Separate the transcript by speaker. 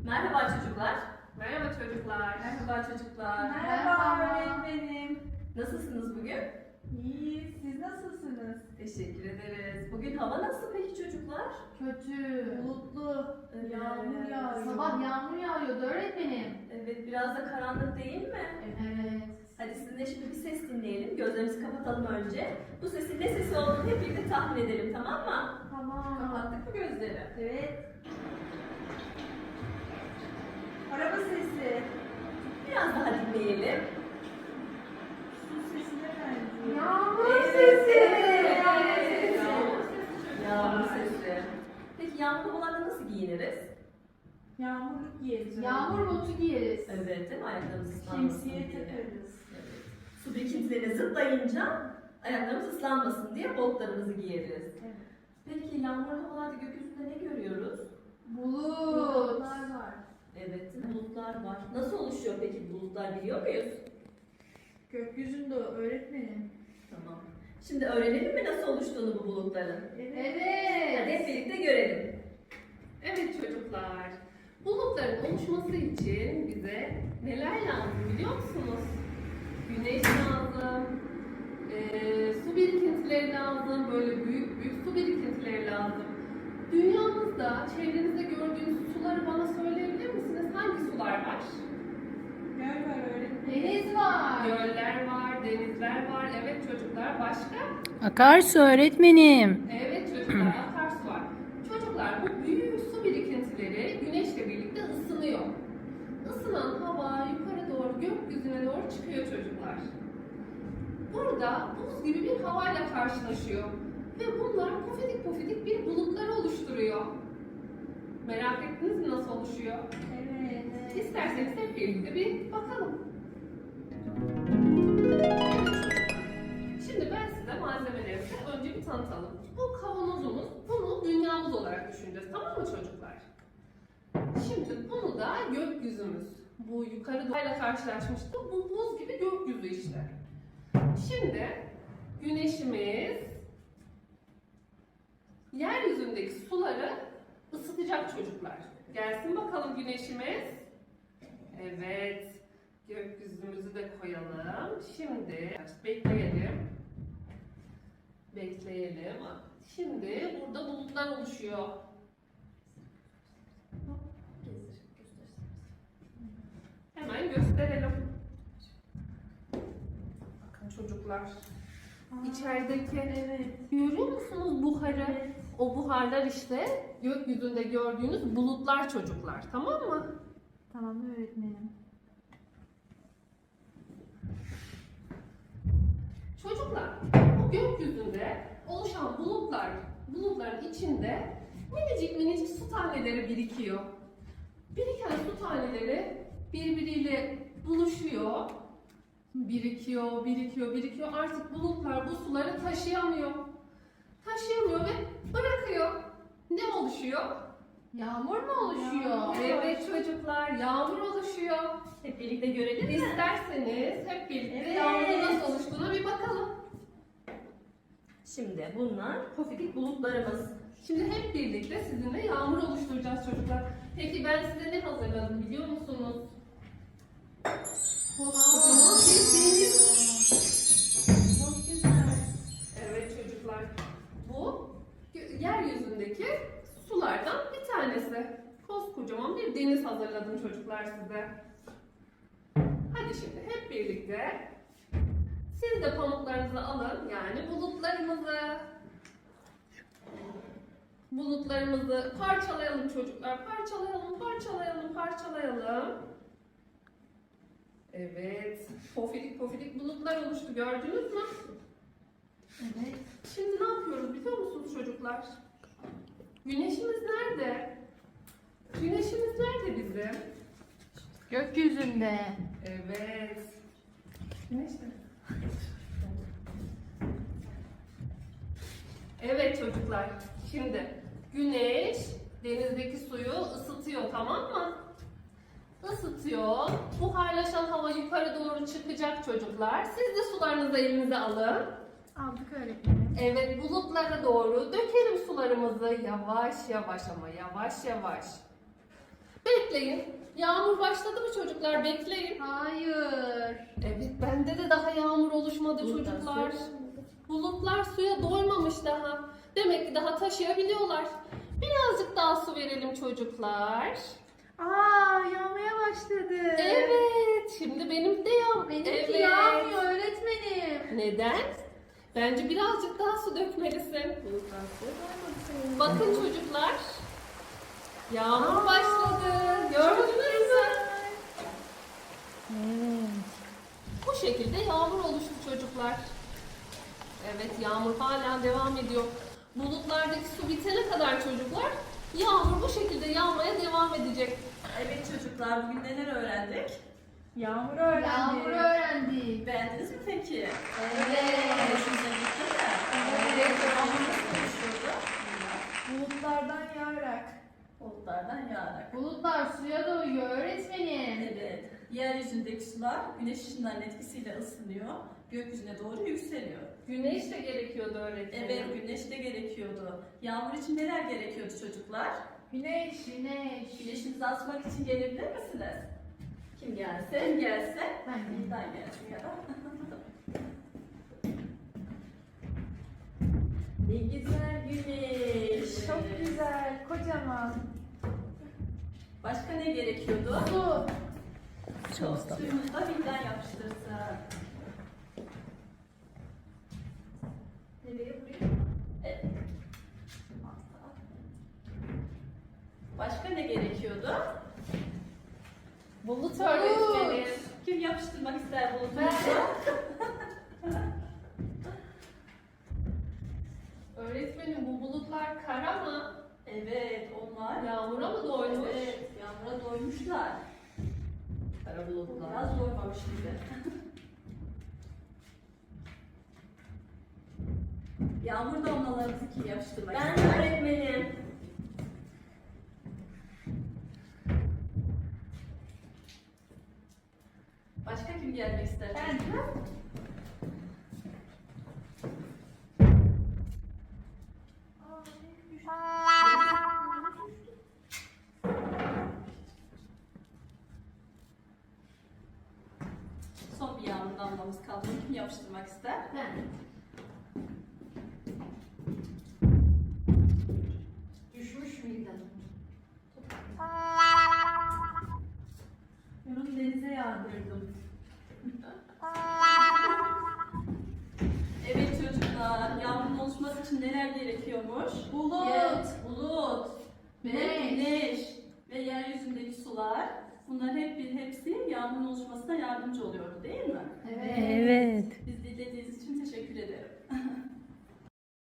Speaker 1: Merhaba çocuklar.
Speaker 2: Merhaba çocuklar.
Speaker 1: Merhaba çocuklar.
Speaker 3: Merhaba öğretmenim.
Speaker 1: Nasılsınız bugün?
Speaker 3: İyi, siz nasılsınız?
Speaker 1: Teşekkür ederiz. Bugün hava nasıl peki çocuklar?
Speaker 3: Kötü, bulutlu, yağmur yağıyor.
Speaker 4: Sabah yağmur yağıyordu öğretmenim.
Speaker 1: Evet, biraz da karanlık değil mi?
Speaker 4: Evet.
Speaker 1: Hadi sizinle şimdi bir ses dinleyelim. Gözlerimizi kapatalım önce. Bu sesin ne sesi olduğunu hep birlikte tahmin edelim, tamam mı?
Speaker 4: Tamam.
Speaker 1: Kapattık mı gözleri?
Speaker 3: Evet. Araba sesi.
Speaker 1: Biraz daha dinleyelim.
Speaker 3: Su sesine benziyor.
Speaker 4: Yağmur
Speaker 1: Evet,
Speaker 4: sesi.
Speaker 1: evet,
Speaker 4: Yağmur
Speaker 1: evet.
Speaker 4: sesi.
Speaker 1: Yağmur sesi. Peki yağmur olanla nasıl giyiniriz?
Speaker 3: Yağmurluk giyeriz.
Speaker 4: Yağmur botu giyeriz.
Speaker 1: Evet, değil mi? Ayaklarımız ıslanmasın
Speaker 3: Şemsiye
Speaker 1: diye.
Speaker 3: takarız.
Speaker 1: Evet. Su birikintilerine zıplayınca ayaklarımız ıslanmasın diye botlarımızı giyeriz.
Speaker 3: Evet.
Speaker 1: Peki yağmurlu havalarda gökyüzünde ne görüyoruz?
Speaker 4: Bulut.
Speaker 3: Bulutlar var.
Speaker 1: Evet, bulutlar var. Nasıl oluşuyor peki bulutlar biliyor muyuz?
Speaker 3: Gökyüzünde öğretmenim.
Speaker 1: Tamam. Şimdi öğrenelim mi nasıl oluştuğunu bu bulutların? Hadi hep
Speaker 4: Evet.
Speaker 1: birlikte görelim.
Speaker 2: Evet çocuklar. Bulutların oluşması için bize neler lazım biliyor musunuz? Güneş lazım, su birikintileri lazım, böyle büyük büyük su birikintileri lazım. Dünyamızda, çevrenizde gördüğünüz suları bana söyleyebilir misiniz? Hangi sular var?
Speaker 3: Göl var öğretmenim.
Speaker 4: Deniz var.
Speaker 2: Göller var, denizler var. Evet çocuklar. Başka?
Speaker 5: Akarsu öğretmenim.
Speaker 2: Evet çocuklar, akarsu var. Çocuklar bu büyük su birikintileri güneşle birlikte ısınıyor. Isınan hava yukarı doğru gökyüzüne doğru çıkıyor çocuklar. Burada buz gibi bir havayla karşılaşıyor. Ve bunlar pofidik pofidik bir bulutları oluşturuyor. Merak ettiniz mi nasıl oluşuyor?
Speaker 3: Evet.
Speaker 2: İsterseniz hep birlikte bir bakalım. Şimdi ben size malzemelerimizi önce bir tanıtalım. Bu kavanozumuz, bunu dünyamız olarak düşüneceğiz. Tamam mı çocuklar? Şimdi bunu da gökyüzümüz. Bu yukarı doğayla karşılaşmıştık. Bu buz gibi gökyüzü işte. Şimdi güneşimiz yeryüzündeki suları ısıtacak çocuklar. Gelsin bakalım güneşimiz. Evet. Gökyüzümüzü de koyalım. Şimdi bekleyelim. Bekleyelim. Şimdi burada bulutlar oluşuyor. Hemen gösterelim. Bakın çocuklar. İçerideki görüyor musunuz buharı?
Speaker 3: Evet.
Speaker 2: O buharlar işte gökyüzünde gördüğünüz bulutlar çocuklar. Tamam mı?
Speaker 3: Tamam öğretmenim.
Speaker 2: Çocuklar, bu gökyüzünde oluşan bulutların içinde minicik minicik su taneleri birikiyor. Biriken su taneleri birbiriyle buluşuyor. Birikiyor, birikiyor, birikiyor. Artık bulutlar bu suları taşıyamıyor. Taşıyamıyor ve bırakıyor. Ne oluşuyor?
Speaker 4: Yağmur mu oluşuyor?
Speaker 2: Evet çocuklar, yağmur oluşuyor.
Speaker 1: Hep birlikte görelim mi?
Speaker 2: İsterseniz hep birlikte
Speaker 1: Evet.
Speaker 2: yağmurun nasıl oluştuğuna bir bakalım.
Speaker 1: Şimdi bunlar pofidik bulutlarımız.
Speaker 2: Şimdi hep birlikte sizinle yağmur oluşturacağız çocuklar. Peki ben size ne hazırladım biliyor musunuz? Kocaman bir deniz.
Speaker 3: Çok güzel.
Speaker 2: Evet çocuklar. Bu yeryüzündeki sulardan bir tanesi. Koskocaman bir deniz hazırladım çocuklar size. Hadi şimdi hep birlikte siz de pamuklarınızı alın, yani bulutlarımızı parçalayalım çocuklar. Parçalayalım, parçalayalım, parçalayalım. Evet, pofidik pofidik bulutlar oluştu, gördünüz mü?
Speaker 4: Evet.
Speaker 2: Şimdi ne yapıyoruz biliyor musunuz çocuklar? Güneşimiz nerede? Güneşimiz nerede bizim?
Speaker 4: Gökyüzünde.
Speaker 2: Evet. Güneş nerede? Evet çocuklar. Şimdi güneş denizdeki suyu ısıtıyor, tamam mı? Isıtıyor. Buharlaşan hava yukarı doğru çıkacak çocuklar. Siz de sularınızı elinize alın.
Speaker 3: Aldık öğretmenim.
Speaker 2: Evet, bulutlara doğru dökelim sularımızı yavaş yavaş ama yavaş yavaş. Bekle. bekleyin. Yağmur başladı mı çocuklar? Bekleyin.
Speaker 4: Hayır.
Speaker 2: Evet, bende de daha yağmur oluşmadı çocuklar. Bulutlar suya doymamış daha. Demek ki daha taşıyabiliyorlar. Birazcık daha su verelim çocuklar.
Speaker 3: Aa, yağmaya başladı.
Speaker 2: Evet, şimdi benim de
Speaker 4: Benimki
Speaker 2: Evet.
Speaker 4: yağmıyor öğretmenim.
Speaker 2: Neden? Bence birazcık daha su dökmelisin. Bakın çocuklar. Yağmur başladı. Gördünüz mü?
Speaker 5: Evet.
Speaker 2: Bu şekilde yağmur oluştu çocuklar. Evet, yağmur hala devam ediyor. Bulutlardaki su bitene kadar çocuklar, yağmur bu şekilde yağmaya devam edecek.
Speaker 1: Evet çocuklar, bugün neler öğrendik?
Speaker 3: Yağmur öğrendik.
Speaker 4: Yağmur öğrendik.
Speaker 1: Beğendiniz mi peki?
Speaker 4: Evet.
Speaker 1: Hoşunuza gitti mi?
Speaker 2: Evet.
Speaker 1: Yağmur nasıl oluşuyordu?
Speaker 3: Bulutlardan yağarak.
Speaker 1: Bulutlardan yağarak.
Speaker 4: Bulutlar suya doyuyor öğretmenim.
Speaker 1: Evet. Yeryüzündeki sular güneş ışınlarının etkisiyle ısınıyor. Gökyüzüne doğru yükseliyor.
Speaker 2: Güneş de gerekiyordu öğretmenim.
Speaker 1: Evet, güneş de gerekiyordu. Yağmur için neler gerekiyordu çocuklar?
Speaker 3: Güneş.
Speaker 4: Güneş.
Speaker 1: Güneşimizi asmak için gelebilir misiniz? Kim gelse? Kim gelse?
Speaker 4: Ben de.
Speaker 1: Nildan gelsin ya da. Ne güzel güneş.
Speaker 3: Çok güzel. Kocaman.
Speaker 1: Başka ne gerekiyordu?
Speaker 4: Su.
Speaker 1: Suyumuzu da Nildan yapıştırsın. Nereye buraya? Evet. Başka ne gerekiyordu?
Speaker 2: Bulut öğretmenim.
Speaker 1: Kim yapıştırmak ister bulutumuzu?
Speaker 2: Öğretmenim, bu bulutlar kara mı?
Speaker 1: Evet, onlar
Speaker 2: Yağmura mı doymuş?
Speaker 1: Evet, yağmura doymuşlar.
Speaker 2: Kara bulutlar.
Speaker 1: Biraz doymamış gibi. Yağmur damlalarımızı kim yapıştırmak
Speaker 3: Ben
Speaker 1: ister?
Speaker 3: öğretmenim.
Speaker 1: Başka kim gelmek ister?
Speaker 3: Ben.
Speaker 1: Son bir yağmur damlamız kaldı. Kim yapıştırmak ister?
Speaker 4: Ben. Düşmüş müydü?
Speaker 3: Bunu denize yağdırdım.
Speaker 1: Evet çocuklar, yağmurun oluşması için neler gerekiyormuş?
Speaker 4: Bulut.
Speaker 1: Bulut, ve
Speaker 4: Güneş.
Speaker 1: güneş ve yeryüzündeki sular. Bunların hepsi yağmurun oluşmasına yardımcı oluyordu değil mi?